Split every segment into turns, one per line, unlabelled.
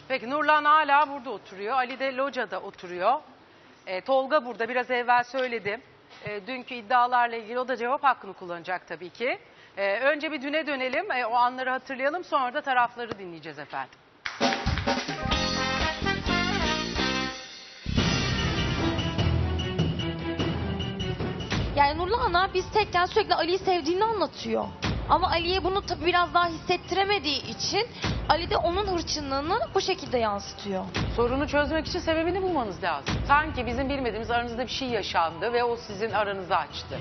Peki Nurlan hala burada oturuyor. Ali de locada oturuyor. Tolga burada, biraz evvel söyledim. Dünkü iddialarla ilgili o da cevap hakkını kullanacak tabii ki. Önce bir düne dönelim, o anları hatırlayalım, sonra da tarafları dinleyeceğiz efendim.
Yani Nurlan'a biz tekken sürekli Ali'yi sevdiğini anlatıyor. Ama Ali'ye bunu tabii biraz daha hissettiremediği için Ali de onun hırçınlığını bu şekilde yansıtıyor.
Sorunu çözmek için sebebini bulmanız lazım. Sanki bizim bilmediğimiz aranızda bir şey yaşandı ve o sizin aranızı açtı.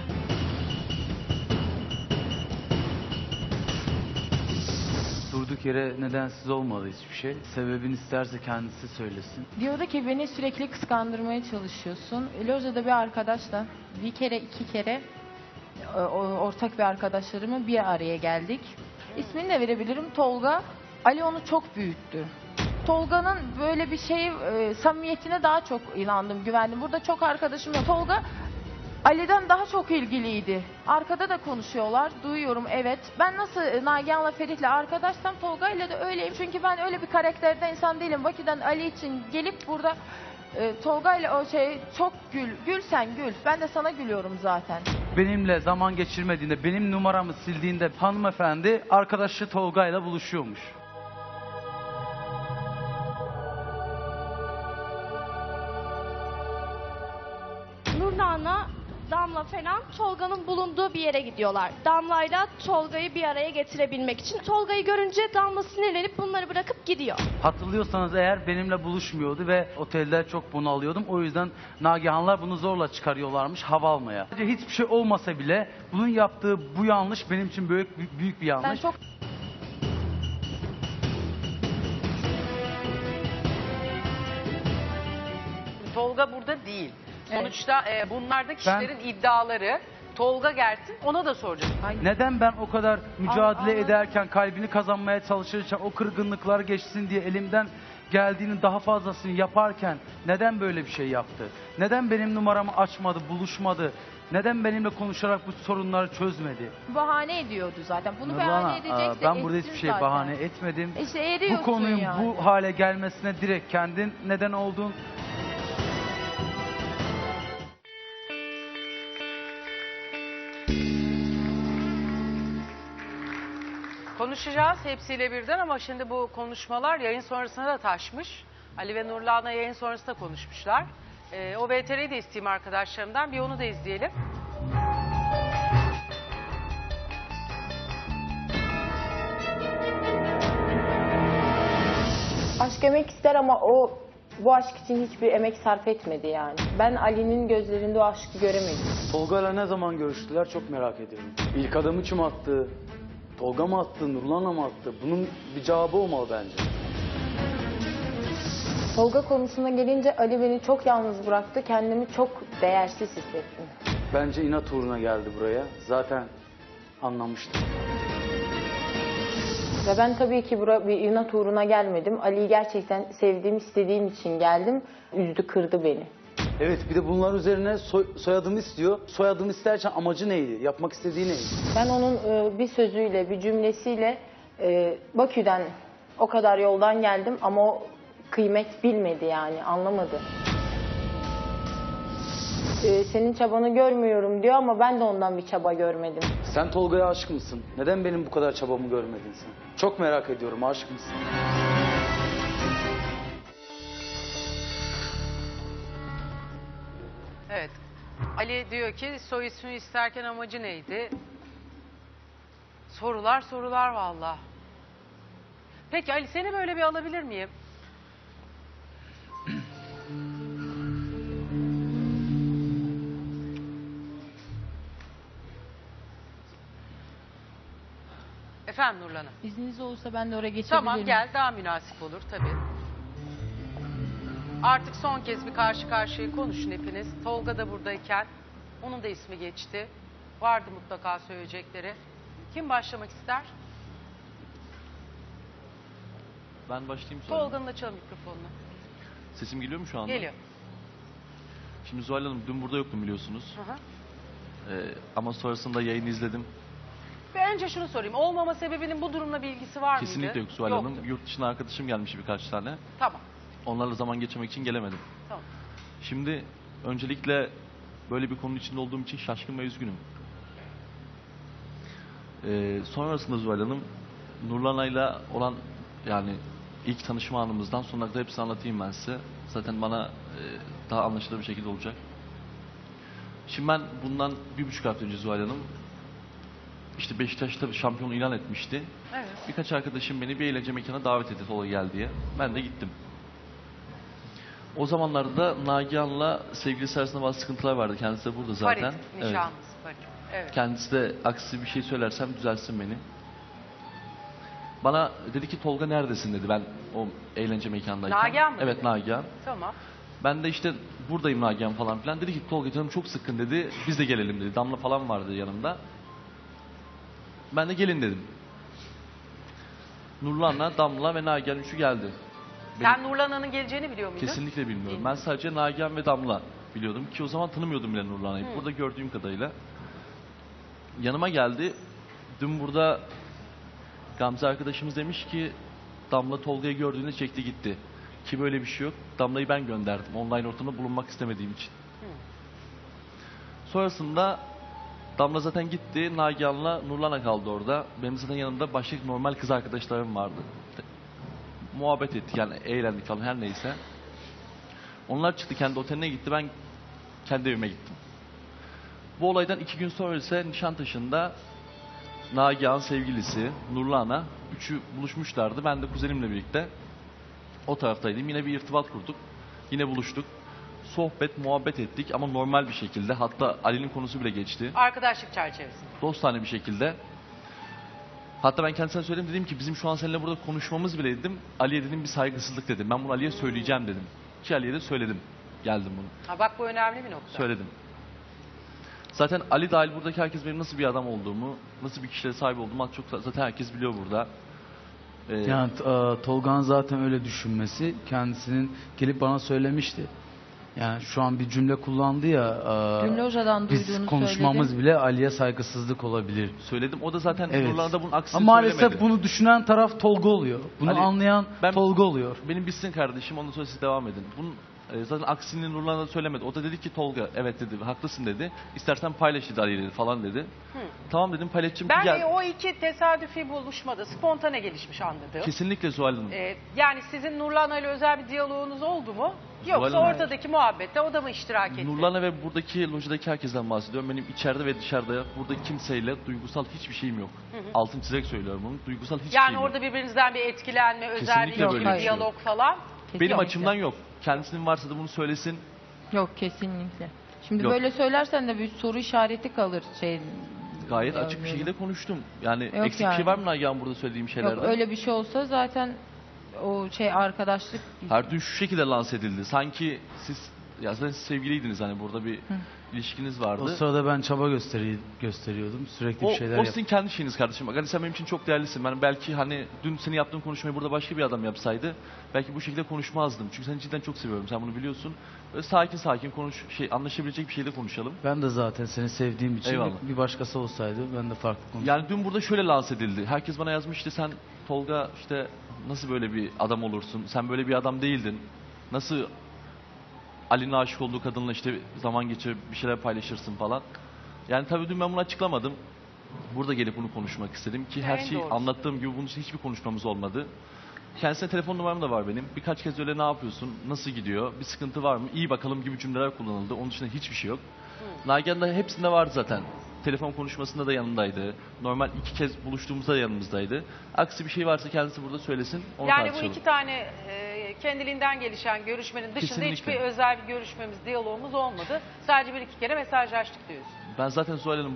Durduk yere nedensiz olmadı hiçbir şey. Sebebini isterse kendisi söylesin.
Diyordu ki beni sürekli kıskandırmaya çalışıyorsun. Loja'da bir arkadaşla bir kere iki kere ortak bir arkadaşlarımı bir araya geldik. İsmini de verebilirim, Tolga. Ali onu çok büyüttü. Tolga'nın böyle bir samimiyetine daha çok inandım, güvendim. Burada çok arkadaşım yok. Tolga Ali'den daha çok ilgiliydi. Arkada da konuşuyorlar, duyuyorum, evet. Ben nasıl Nagihan'la Ferit'le arkadaşsam Tolga'yla da öyleyim. Çünkü ben öyle bir karakterde insan değilim. Bakü'den Ali için gelip burada Tolga'yla çok gül sen gül. Ben de sana gülüyorum zaten.
Benimle zaman geçirmediğinde, benim numaramı sildiğinde hanımefendi arkadaşı Tolga'yla buluşuyormuş.
Nurlan'la Damla falan Tolga'nın bulunduğu bir yere gidiyorlar. Damla'yla Tolga'yı bir araya getirebilmek için. Tolga'yı görünce Damla sinirlenip bunları bırakıp gidiyor.
Hatırlıyorsanız eğer benimle buluşmuyordu ve otelde çok bunalıyordum. O yüzden Nagihanlar bunu zorla çıkarıyorlarmış hava almaya. Hiçbir şey olmasa bile bunun yaptığı bu yanlış benim için büyük bir yanlış.
Ben çok
Tolga burada değil. Sonuçta bunlar da kişilerin iddiaları. Tolga gelsin, ona da soracağız.
Neden ben o kadar mücadele
Anladım.
ederken, kalbini kazanmaya çalışırken, o kırgınlıklar geçsin diye elimden geldiğinin daha fazlasını yaparken neden böyle bir şey yaptı? Neden benim numaramı açmadı, buluşmadı? Neden benimle konuşarak bu sorunları çözmedi?
bahane ediyordu zaten. Bunu
Nurlan'a,
bahane edecekse
ben burada
etsin
hiçbir şey
zaten.
bahane etmedim.
İşte eriyorsun
Bu konunun
yani.
bu hale gelmesine direkt kendin neden oldun.
Konuşacağız hepsiyle birden ama şimdi bu konuşmalar yayın sonrasına da taşmış. Ali ve Nurlan'la yayın sonrasında konuşmuşlar. O VTR'yi de isteyeyim arkadaşlarımdan. Bir onu da izleyelim.
Aşk emek ister ama o bu aşk için hiçbir emek sarf etmedi yani. Ben Ali'nin gözlerinde o aşkı göremedim.
Tolga'yla ne zaman görüştüler çok merak ediyorum. İlk adımı kim attı? Tolga mı attı? Nurlan'a mı attı? Bunun bir cevabı olmalı bence.
Tolga konusuna gelince Ali beni çok yalnız bıraktı. Kendimi çok değersiz hissettim.
Bence inat uğruna geldi buraya. Zaten anlamıştım.
Ve ben tabii ki buraya bir inat uğruna gelmedim. Ali'yi gerçekten sevdiğim, istediğim için geldim. Üzdü, kırdı beni.
Evet, bir de bunlar üzerine soyadımı istiyor. Soyadımı isterken amacı neydi? Yapmak istediği neydi?
Ben onun bir sözüyle, bir cümlesiyle Bakü'den o kadar yoldan geldim ama o kıymet bilmedi yani, anlamadı. Senin çabanı görmüyorum diyor ama ben de ondan bir çaba görmedim.
Sen Tolga'ya aşık mısın? Neden benim bu kadar çabamı görmedin sen? Çok merak ediyorum, aşık mısın?
Evet. Ali diyor ki soy ismini isterken amacı neydi? Sorular valla. Peki Ali, seni böyle bir alabilir miyim? Efendim Nurlan Hanım.
İzniniz olursa ben de oraya geçebilir
Tamam
miyim?
gel, daha münasip olur tabii. Artık son kez bir karşı karşıya konuşun hepiniz. Tolga da buradayken onun da ismi geçti. Vardı mutlaka söyleyecekleri. Kim başlamak ister?
Ben başlayayım sonra.
Tolga'nın açalım mikrofonunu.
Sesim geliyor mu şu anda?
Geliyor.
Şimdi Zuhal Hanım dün burada yoktum biliyorsunuz.
Hı hı.
Ama sonrasında yayını izledim.
Ve önce şunu sorayım. Olmama sebebinin bu durumla bir ilgisi var mıydı?
Kesinlikle yok Zuhal
Yoktu.
Hanım. Yurt dışına arkadaşım gelmiş birkaç tane.
Tamam.
Onlarla zaman geçirmek için gelemedim.
Tamam.
Şimdi öncelikle böyle bir konunun içinde olduğum için şaşkın ve üzgünüm. Sonrasında Zuhal Hanım, Nurlana'yla olan yani ilk tanışma anımızdan sonuna kadar hepsini anlatayım ben size. Zaten bana daha anlaşılır bir şekilde olacak. Şimdi ben bundan 1,5 hafta önce Zuhal Hanım, işte Beşiktaş'ta şampiyon ilan etmişti.
Evet.
Birkaç arkadaşım beni bir eğlence mekanına davet etti, Tolga gel diye. Ben de gittim. O zamanlarda Nagihan'la sevgilisi arasında bazı sıkıntılar vardı. Kendisi de burada zaten.
Farit, nişanlısı Farit. Evet.
Kendisi de aksi bir şey söylersem düzelsin beni. Bana dedi ki Tolga neredesin dedi ben o eğlence mekanındayken.
Nagihan mı
Evet
dedi?
Nagihan.
Tamam.
Ben de işte buradayım Nagihan falan filan. Dedi ki Tolga canım çok sıkkın dedi. Biz de gelelim dedi. Damla falan vardı yanımda. Ben de gelin dedim. Nurlan'la, Damla ve Nagihan üçü geldi.
Sen Nurlana'nın geleceğini biliyor muydun?
Kesinlikle bilmiyorum. Ben sadece Nagihan ve Damla biliyordum ki o zaman tanımıyordum bile Nurlan'ı. Burada gördüğüm kadarıyla. Yanıma geldi. Dün burada Gamze arkadaşımız demiş ki Damla Tolga'yı gördüğünde çekti gitti. Ki böyle bir şey yok. Damla'yı ben gönderdim. Online ortamda bulunmak istemediğim için. Sonrasında Damla zaten gitti. Nagihan'la Nurlan'a kaldı orada. Benim zaten yanımda başka normal kız arkadaşlarım vardı. Muhabbet ettik yani eğlendik falan her neyse. Onlar çıktı kendi oteline gitti. Ben kendi evime gittim. Bu olaydan 2 gün sonra ise Nişantaşı'nda Nagihan sevgilisi, Nurlan'a üçü buluşmuşlardı. Ben de kuzenimle birlikte o taraftaydım. Yine bir irtibat kurduk. Yine buluştuk. Sohbet, muhabbet ettik ama normal bir şekilde. Hatta Ali'nin konusu bile geçti.
Arkadaşlık çerçevesinde.
Dostane bir şekilde. Hatta ben kendisine söyledim dedim ki bizim şu an seninle burada konuşmamız bile dedim. Ali'ye dedim bir saygısızlık dedim. Ben bunu Ali'ye söyleyeceğim dedim. Ki Ali'ye de söyledim. Geldim bunu.
Ha bak bu önemli bir nokta.
Söyledim. Zaten Ali dahil buradaki herkes benim nasıl bir adam olduğumu, nasıl bir kişiliğe sahip olduğumu az çok zaten herkes biliyor burada.
Yani Tolga'nın zaten öyle düşünmesi kendisinin gelip bana söylemişti. Yani şu an bir cümle kullandı ya.
Dün lojadan
Biz
duyduğunu
konuşmamız
söyledim.
bile Ali'ye saygısızlık olabilir.
Söyledim. O da zaten
Evet.
Nurlan'a da bunun aksini
Ama maalesef
söylemedi.
bunu düşünen taraf Tolga oluyor. Bunu
Ali,
anlayan
ben-
Tolga oluyor.
Benim bitsin kardeşim. Ondan sonra siz devam edin. Bunun zaten aksini Nurlan'a da söylemedi. O da dedi ki Tolga evet dedi. Haklısın dedi. İstersen paylaş dedi Ali dedi falan dedi. Tamam dedim paylaşacağım.
Ben
Gel.
o iki tesadüfi buluşmada spontane gelişmiş anladım.
Kesinlikle Zuhal Hanım.
Yani sizin Nurlan'a ile özel bir diyaloğunuz oldu mu? Yoksa
Hanım-
ortadaki muhabbette o da mı iştirak etti?
Nurlan'a ve buradaki lojadaki herkesten bahsediyorum. Benim içeride ve dışarıda buradaki kimseyle duygusal hiçbir şeyim yok. Altın çizerek söylüyorum bunu. Duygusal hiçbir
Yani
şeyim
orada
yok.
birbirinizden bir etkilenme, özel bir
Kesinlikle
ilişki,
böyle bir şey
diyalog falan.
Benim
Kesinlikle.
açımdan yok. Kendisinin varsa da bunu söylesin.
Yok kesinlikle. Şimdi
Yok.
böyle söylersen de bir soru işareti kalır şey.
Gayet
Yani
açık bir
böyle.
şekilde konuştum. Yani
Yok
eksik bir
yani.
şey var mı Nagihan burada söylediğim şeylerde?
Yok öyle bir şey olsa zaten o şey arkadaşlık
Her gün şu şekilde lanse edildi. Sanki siz ya zaten siz sevgiliydiniz hani burada bir ilişkiniz vardı.
O sırada ben çaba gösteriyordum. Sürekli bir şeyler
O sizin
yapıyordum.
kendi şeyiniz kardeşim. Bak hani sen benim için çok değerlisin. Ben belki hani dün senin yaptığın konuşmayı burada başka bir adam yapsaydı belki bu şekilde konuşmazdım. Çünkü seni cidden çok seviyorum. Sen bunu biliyorsun. Böyle sakin sakin konuş, anlaşabilecek bir şeyde konuşalım.
Ben de zaten seni sevdiğim için
Eyvallah.
bir başkası olsaydı ben de farklı konuşurdum.
Yani dün burada şöyle lanse edildi. Herkes bana yazmış işte sen Tolga işte nasıl böyle bir adam olursun? Sen böyle bir adam değildin. Nasıl Ali'nin aşık olduğu kadınla işte zaman geçirip bir şeyler paylaşırsın falan. Yani tabii dün ben bunu açıklamadım. Burada gelip bunu konuşmak istedim ki her
En
şeyi
doğrusu.
anlattığım gibi bunun için hiçbir konuşmamız olmadı. Kendisine telefon numaram da var benim. Birkaç kez öyle ne yapıyorsun, nasıl gidiyor, bir sıkıntı var mı, iyi bakalım gibi cümleler kullanıldı. Onun dışında hiçbir şey yok. Nagihan da hepsinde vardı zaten. Telefon konuşmasında da yanındaydı. Normal 2 kez buluştuğumuzda da yanımızdaydı. Aksi bir şey varsa kendisi burada söylesin, onu
Yani bu
tartışalım.
iki tane kendiliğinden gelişen görüşmenin dışında
Kesinlikle.
hiçbir özel bir görüşmemiz, diyalogumuz olmadı. Sadece bir iki kere mesajlaştık diyorsun.
Ben zaten Zuhal Hanım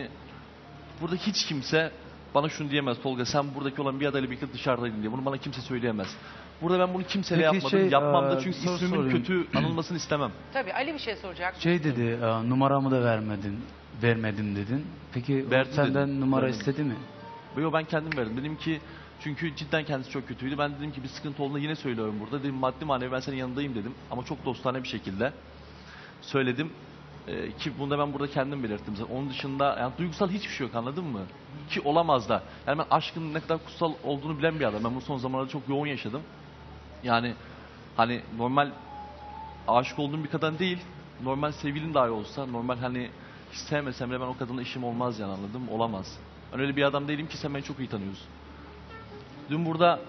burada hiç kimse bana şunu diyemez Tolga sen buradaki olan bir adayla birlikte dışarıdaydın diye. Bunu bana kimse söyleyemez. Burada ben bunu kimseyle
Peki
yapmadım, yapmam da
bir
çünkü
soru
ismimin
sorayım.
kötü anılmasını istemem.
Tabii Ali bir şey soracak.
Şey dedi, numaramı da vermedim dedin. Peki o
Verdi
senden
dedim,
numara
vermedim.
istedi mi?
Yo ben kendim verdim. Dedim ki çünkü cidden kendisi çok kötüydü. Ben dedim ki bir sıkıntı olduğunda yine söylüyorum burada. Dedim maddi manevi ben senin yanındayım dedim. Ama çok dostane bir şekilde söyledim. Ki bunu da ben burada kendim belirttim zaten. Onun dışında yani duygusal hiçbir şey yok, anladın mı? Ki olamaz da. Yani ben aşkın ne kadar kutsal olduğunu bilen bir adam. Ben bu son zamanlarda çok yoğun yaşadım. Yani hani normal aşık olduğum bir kadın değil. Normal sevgilim dahi olsa, normal hani hiç sevmesem bile ben o kadınla işim olmaz yani, anladın mı? Olamaz. Ben öyle bir adam değilim ki, sen beni çok iyi tanıyorsun. Dün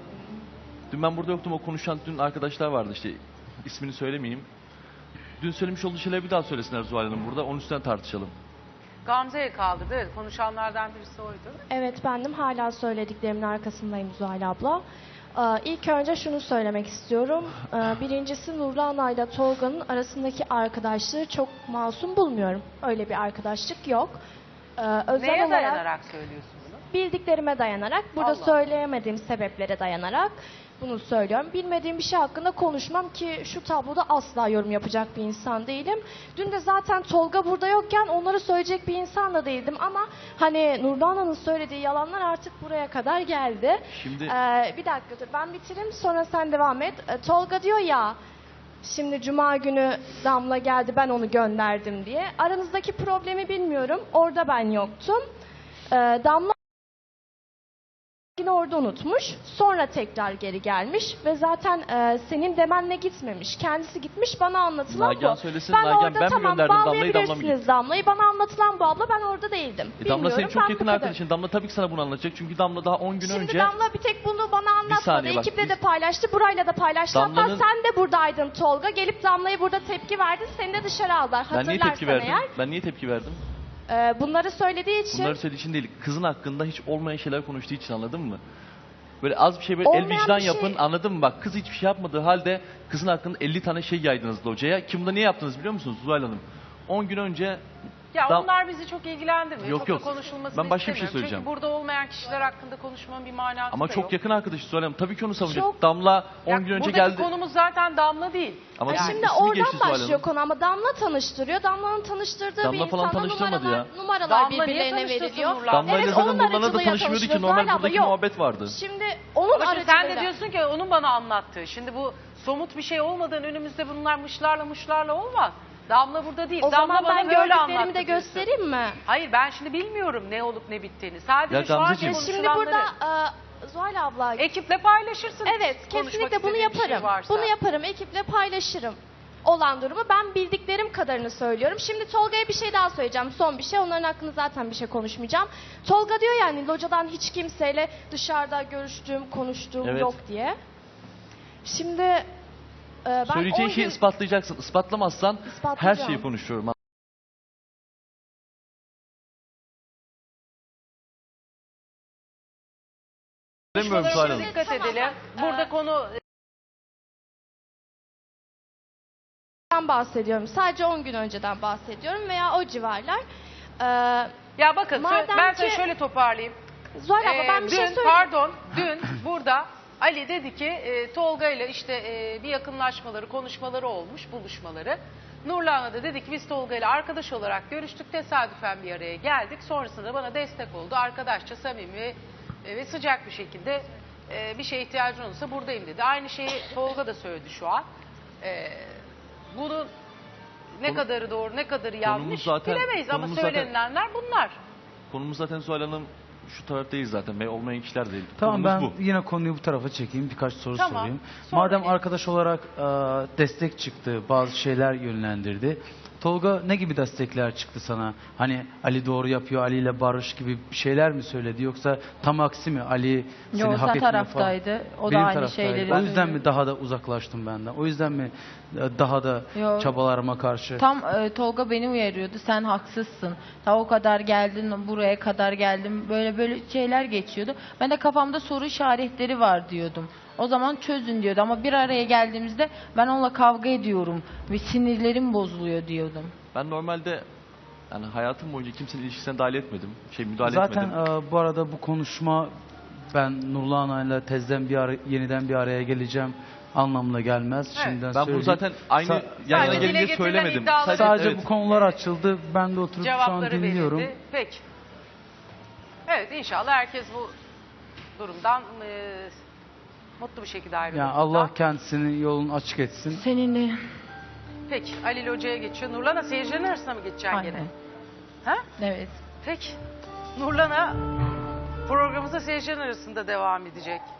ben burada yoktum, o konuşan dün arkadaşlar vardı işte, ismini söylemeyeyim. Dün söylemiş olduğu şeyleri bir daha söylesinler Zuhal Hanım burada, onun üstüne tartışalım.
Gamze'ye kaldırdı. Evet, konuşanlardan birisi oydu.
Evet, bendim. Hala söylediklerimin arkasındayım Zuhal abla. İlk önce şunu söylemek istiyorum. Birincisi, Nurlana ile Tolga'nın arasındaki arkadaşlığı çok masum bulmuyorum. Öyle bir arkadaşlık yok. Özel
Neye
olarak
dayanarak söylüyorsun bunu?
bildiklerime dayanarak, burada
Allah.
söyleyemediğim sebeplere dayanarak bunu söylüyorum. Bilmediğim bir şey hakkında konuşmam ki şu tabloda asla yorum yapacak bir insan değilim. Dün de zaten Tolga burada yokken onları söyleyecek bir insan da değildim ama hani Nurdana'nın söylediği yalanlar artık buraya kadar geldi.
Şimdi
Bir dakika dur, ben bitireyim sonra sen devam et. Tolga diyor ya, şimdi Cuma günü Damla geldi, ben onu gönderdim diye. Aranızdaki problemi bilmiyorum. Orada ben yoktum. Damla yine orada unutmuş. Sonra tekrar geri gelmiş ve zaten senin demenle gitmemiş. Kendisi gitmiş, bana anlatılan
Nagihan
bu.
söylesin,
Ben
Nagihan,
orada
ben mi
tamam
gönderdim Damla'yı, Damla mı
bağlayabilirsiniz
gitti?
Damla'yı. Bana anlatılan bu abla, ben orada değildim.
Damla
Bilmiyorum,
senin çok
ben
yakın
bu kadar.
arkadaşın. Damla tabii ki sana bunu anlatacak. Çünkü Damla daha 10 gün
Şimdi
önce...
Damla bir tek bunu bana anlatmadı.
saniye bak,
Ekiple de paylaştı, burayla da paylaştı. Hatta
Damla'nın-
sen de buradaydın Tolga. Gelip Damla'ya burada tepki verdin. Seni de dışarı aldılar.
Ben niye
Hatırlarsan
tepki verdim?
eğer.
Ben niye tepki verdim?
Bunları söylediği için.
Bunları söylediği için değil. Kızın hakkında hiç olmayan şeyler konuştuğu için, anladın mı? Böyle az bir şey böyle el
Olmayan
vicdan
bir şey-
yapın, anladın mı? Bak, kız hiçbir şey yapmadığı halde kızın hakkında 50 tane şey yaydınız locaya. Kim bunu niye yaptınız biliyor musunuz Zuhal Hanım? 10 gün önce...
Ya
Dam-
onlar bizi çok ilgilendirmiyor.
Yok,
çok
yok.
da konuşulmasını
Ben başka bir şey
istemiyorum.
söyleyeceğim.
Çünkü burada olmayan kişiler hakkında konuşmanın bir manası
Ama
da
çok
yok.
yakın arkadaşı Zuhal Hanım. Tabii ki onu savunacak.
Çok-
Damla 10
Ya
gün önce
buradaki
geldi.
konumuz zaten Damla değil.
Ama
Yani-
sizin
Şimdi
ismi geçti
oradan
Zuhal
başlıyor
Hanım.
konu ama Damla tanıştırıyor. Damla'nın tanıştırdığı
Damla
bir
falan
insana
tanıştırmadı
numaralar
Damla niye
birbirlerine
tanıştırsın
veriliyor.
Nurlan?
Damla ile
Evet,
zaten
onun
Nurlan'a da
aracılığıyla
tanışmıyordu ki.
tanıştırıyor.
Normal
Zuhal abla,
buradaki
yok.
muhabbet vardı.
Şimdi onun
Ama şimdi
aracılığıyla.
sen de diyorsun ki onun bana anlattığı. Şimdi bu somut bir şey olmadan önümüzde bunlar mışlarla olmaz. Damla burada değil.
O
Damla
zaman
bana
ben
böyle
gördüklerimi
anlattı
de
diyorsun.
göstereyim mi?
Hayır, ben şimdi bilmiyorum ne olup ne bittiğini. Sadece
Ya
şu anki
Gamzeciğim.
Şimdi
konuşulanları
burada Zuhal abla,
ekiple paylaşırsın.
evet
Konuşmak
kesinlikle bunu
istediğin bir şey
yaparım.
varsa.
Bunu yaparım, ekiple paylaşırım. Olan durumu ben bildiklerim kadarını söylüyorum. Şimdi Tolga'ya bir şey daha söyleyeceğim. Son bir şey. Onların hakkında zaten bir şey konuşmayacağım. Tolga diyor yani locadan hiç kimseyle dışarıda görüştüğüm, konuştuğum
Evet.
yok diye. Şimdi ben
Söyleyeceğin
10
şeyi
gün-
ispatlayacaksın. Ispatlamazsan her
İspatlayacağım.
şeyi konuşuyorum. Demiyorum Zuhal
Konuşmalarımıza
Hanım.
dikkat
Tamam,
edelim.
bak,
Burada konu
Ben bahsediyorum. Sadece 10 gün önceden bahsediyorum veya o civarlar.
ya bakın
Madem
ben
ki-
size şöyle toparlayayım.
Zuhal abla ben bir
Dün,
şey söyleyeyim.
dün burada Ali dedi ki Tolga ile işte bir yakınlaşmaları, konuşmaları olmuş, buluşmaları. Nurlan'a da dedi ki biz Tolga ile arkadaş olarak görüştük, tesadüfen bir araya geldik. Sonrasında bana destek oldu. Arkadaşça, samimi ve sıcak bir şekilde bir şeye ihtiyacın olursa buradayım dedi. Aynı şeyi Tolga da söyledi şu an. Bunun ne
Konu-
kadarı doğru, ne kadarı yanlış
zaten-
bilemeyiz ama
konumuz zaten-
söylenilenler bunlar.
Konumuz zaten Zuhal Hanım şu taraftayız zaten. Olmayan kişiler değil.
Tamam,
Konumuz
ben yine konuyu bu tarafa çekeyim. Birkaç soru
Tamam,
sorayım.
sonra
Madem
ne?
arkadaş olarak destek çıktı, bazı şeyler yönlendirdi. Tolga ne gibi destekler çıktı sana? Hani Ali doğru yapıyor, Ali ile barış gibi bir şeyler mi söyledi? Yoksa tam aksi mi? Ali seni
Yo,
hak
sen
etmiyor falan.
taraftaydı. O da
Benim
aynı
taraftaydı.
şeyleri
O yüzden
söylüyor.
mi daha da uzaklaştım benden? O yüzden mi daha da
Yo.
çabalarıma karşı?
Tam Tolga beni uyarıyordu. Sen haksızsın. Ta o kadar geldin, buraya kadar geldim. Böyle şeyler geçiyordu. Ben de kafamda soru işaretleri var diyordum. O zaman çözün diyordu ama bir araya geldiğimizde ben onunla kavga ediyorum ve sinirlerim bozuluyor diyordum.
Ben normalde yani hayatım boyunca kimsenin ilişkisine dahil etmedim. Müdahale
Zaten
etmedim.
bu arada bu konuşma ben Nurlan ile tezden yeniden bir araya geleceğim anlamına gelmez.
Evet.
Şimdiden
Ben bunu
söyleyeyim.
zaten aynı
Sa-
yan yana
Sadece dile
gelince
getirilen
söylemedim.
iddiaları-
Sadece
evet.
bu konular açıldı. Ben de oturup şu an
Cevapları
dinliyorum.
verildi. Peki. Evet, inşallah herkes bu durumdan mutlu bir şekilde ayrılır.
Yani Allah kendisini yolunu açık etsin.
Seninle
Peki Ali ile Hoca'ya geçiyor. Nurlan'a seyircilerin arasına mı geçeceksin
Aynen.
gene? Ha?
Evet.
Peki. Nurlan'a programımıza seyircilerin arasında devam edecek.